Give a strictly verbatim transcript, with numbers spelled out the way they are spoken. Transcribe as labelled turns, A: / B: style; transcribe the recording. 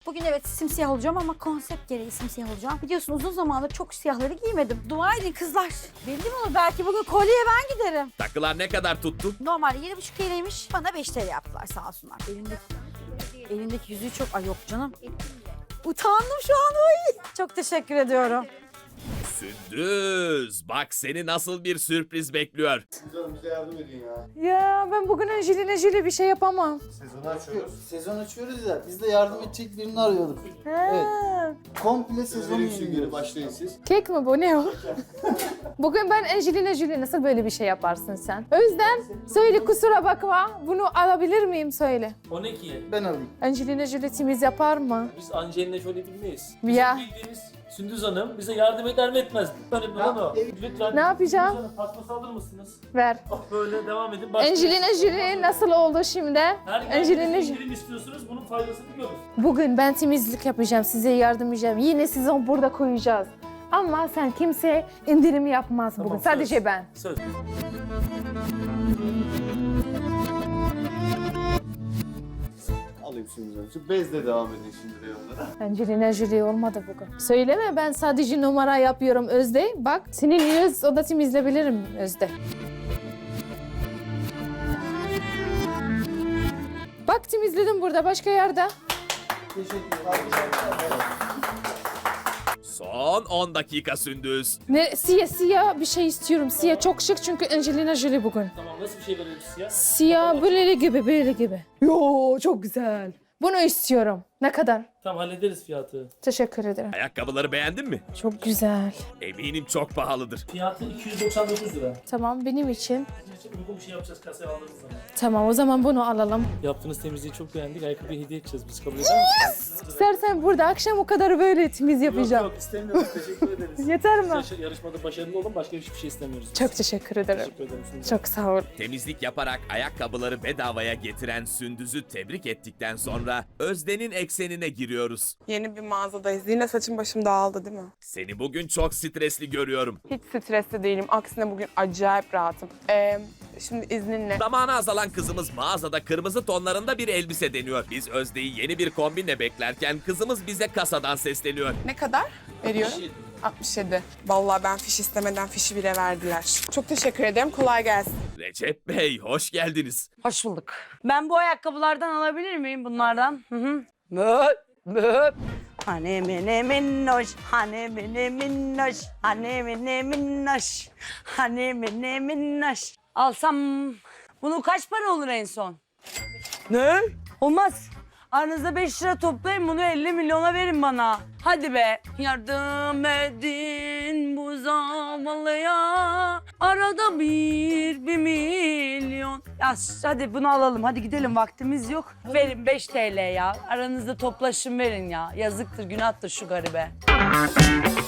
A: Bugün evet simsiyah olacağım ama konsept gereği simsiyah olacağım. Biliyorsun uzun zamandır çok siyahları giymedim. Dua edin kızlar. Bildim onu, belki bugün kolyeye ben giderim.
B: Takılar ne kadar tuttu?
A: Normalde yedi buçuk T L'ymiş. Bana beş T L yaptılar sağ olsunlar. Elimdeki, elimdeki yüzüğü çok... Ay yok canım. Utandım şu an. Ay. Çok teşekkür ediyorum.
B: Sündüz, bak seni nasıl bir sürpriz bekliyor.
C: Canım bize yardım edin ya.
D: Ya ben bugün Angelina Jolie bir şey yapamam.
C: Sezonu açıyoruz. Sezon açıyoruz ya. Biz de yardım edecek birini arıyorduk. Evet. Komple sezonu yeniliyoruz. Başlayın siz.
D: Kek mi bu, ne o? Bugün ben Angelina Jolie, nasıl böyle bir şey yaparsın sen? O yüzden söyle, kusura bakma, bunu alabilir miyim söyle.
E: O ne ki?
C: Ben alayım.
D: Angelina Jolie temiz yapar mı?
E: Biz Angelina Jolie bilmeyiz.
D: Ya.
E: Bizim bildiğimiz Sündüz Hanım bize yardım eder mi etmez mi? Önemli olan o. Lütfen.
D: Ne yapacağım?
E: Sündüz Hanım paspas alır mısınız?
D: Ver.
E: Ah, böyle devam edin. Başka
D: Angelina Jolie nasıl oldu şimdi?
E: Her
D: Angelina
E: geldiğinizde
D: Jolie.
E: indirim istiyorsunuz, bunun faydasını görün.
D: Bugün ben temizlik yapacağım, size yardım edeceğim. Yine sizi burada koyacağız. Ama sen kimse indirim yapmaz
E: Tamam,
D: bugün. Sadece
E: söz.
D: ben.
E: Söz.
C: Alayım şimdi canım. Şu bezle devam edin şimdi reyonlara.
D: Angelina Jolie olmadı bugün. Söyleme, ben sadece numara yapıyorum Özde. Bak senin yüz o da temizleyebilirim Özde. Bak temizledim burada, başka yerde.
C: Teşekkür ederim.
B: Son on dakika Sündüz.
D: Ne, siyah siyah bir şey istiyorum. Siyah çok şık çünkü Angelina Jolie bugün.
E: Tamam, nasıl bir şey verelim siyah?
D: Siyah böyle gibi, böyle gibi. Yo, çok güzel. Bunu istiyorum. Ne kadar?
E: Tamam, hallederiz fiyatı.
D: Teşekkür ederim.
B: Ayakkabıları beğendin mi?
D: Çok güzel.
B: Eminim çok pahalıdır.
E: Fiyatı iki yüz doksan dokuz lira.
D: Tamam, benim için.
E: Sizin için uygun bir şey yapacağız kasaya aldığınız zaman.
D: Tamam, o zaman bunu alalım.
E: Yaptığınız temizliği çok beğendik. Ayakkabıyı hediye edeceğiz. Biz kabul eder misiniz?
D: İstersen burada akşam o kadar böyle temiz yapacağım.
E: Yok yok, istemiyoruz. Teşekkür ederiz.
D: Yeter mi?
E: Siz yarışmada başarılı olun. Başka hiçbir şey istemiyoruz.
D: Çok teşekkür ederim.
E: Teşekkür ederim. Sündüz.
D: Çok sağ ol.
B: Temizlik yaparak ayakkabıları bedavaya getiren Sündüz'ü tebrik ettikten sonra Özde'nin eksenine giriyoruz.
F: Yeni bir mağazadayız. Yine saçım başım dağıldı değil mi?
B: Seni bugün çok stresli görüyorum.
F: Hiç stresli değilim. Aksine bugün acayip rahatım. Ee, şimdi izninle.
B: Zamanı azalan kızımız mağazada kırmızı tonlarında bir elbise deniyor. Biz Özde'yi yeni bir kombinle beklerken kızımız bize kasadan sesleniyor.
F: Ne kadar veriyorum? altmış yedi. Vallahi ben fiş istemeden fişi bile verdiler. Çok teşekkür ederim. Kolay gelsin.
B: Recep Bey hoş geldiniz.
G: Hoş bulduk. Ben bu ayakkabılardan alabilir miyim bunlardan? Hı hı. Möp, möp. Hani mene minnoş, hani mene minnoş, hani mene minnoş, hani mene minnoş. Alsam bunu kaç para olur en son? Ne? Olmaz. Aranızda beş lira toplayın, bunu elli milyona verin bana. Hadi be. Yardım edin bu zavallıya. Arada bir, bir milyon. Ya hadi bunu alalım. Hadi gidelim, vaktimiz yok. Verin beş T L ya. Aranızda toplaşın verin ya. Yazıktır, günahtır şu garibe.